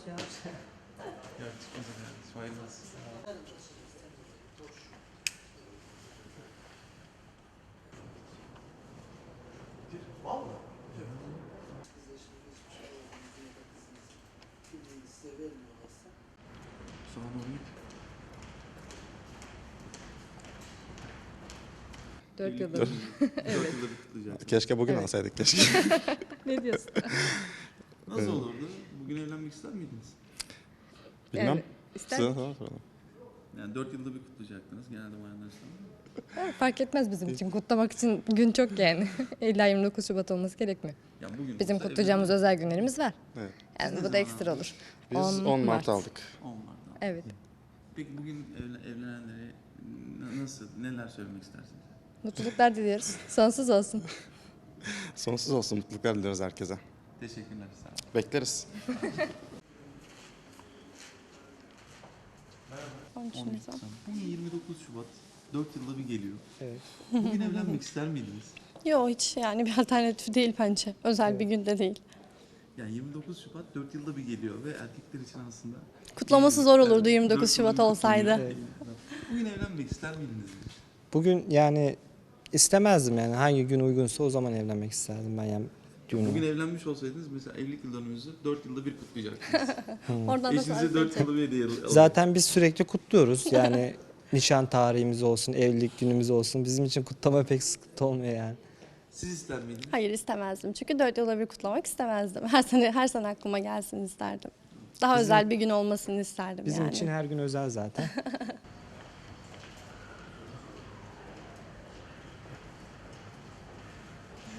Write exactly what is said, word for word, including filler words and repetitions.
ya. Yok çıkmaz efendim. Sayılmaz. Valla. Sonra doğru git. Dört yıldır. Dört yılda bir kutlayacak. Keşke bugün Evet. alsaydık keşke. Ne diyorsun? Nasıl olurdu? Bugün evlenmek ister miydiniz? Bilmem. Yani ister Size soralım. Yani dört yılda bir kutlayacaktınız. Genelde bayanlar ister. fark etmez bizim için. Kutlamak için gün çok yani. İlla yirmi dokuz Şubat olması gerekmiyor. Ya bugün Bizim olsa kutlayacağımız evlenir- özel günlerimiz var. Evet. Yani Siz ne bu da zaman ekstra aldınız? olur. Biz on on Mart Mart. aldık. on Mart'ta. Evet. Peki bugün evlen- evlenenlere n- nasıl, neler söylemek istersiniz? Mutluluklar diliyoruz. Sonsuz olsun. Sonsuz olsun, mutluluklar diliyoruz herkese. Teşekkürler. Sağ olun. Bekleriz. on üç on bir Nisan. Nisan. Bugün yirmi dokuz Şubat. dört yılda bir geliyor. Evet. Bugün evlenmek ister miydiniz? Yok hiç yani bir alternatif değil bence. Özel bir günde değil. Yani yirmi dokuz Şubat dört yılda bir geliyor ve erkekler için aslında... Kutlaması zor olurdu yirmi dört dokuz yılda Şubat bir olsaydı. kutlanıyor. Bugün evlenmek ister miydiniz? Bugün yani istemezdim yani hangi gün uygunsa o zaman evlenmek isterdim ben yani Bugün düğünü. evlenmiş olsaydınız mesela evlilik yıldönümünüzü dört yılda bir kutlayacaktınız. Oradan da Eşinize fark dört edecek. yılda bir hediye alır. Zaten biz sürekli kutluyoruz yani nişan tarihimiz olsun, evlilik günümüz olsun bizim için kutlama pek sıkıntı olmuyor yani. Siz ister miydiniz? Hayır istemezdim. Çünkü dört yılda bir kutlamak istemezdim. Her sene her sene aklıma gelsin isterdim. Daha Bizim- özel bir gün olmasını isterdim Bizim yani. için her gün özel zaten.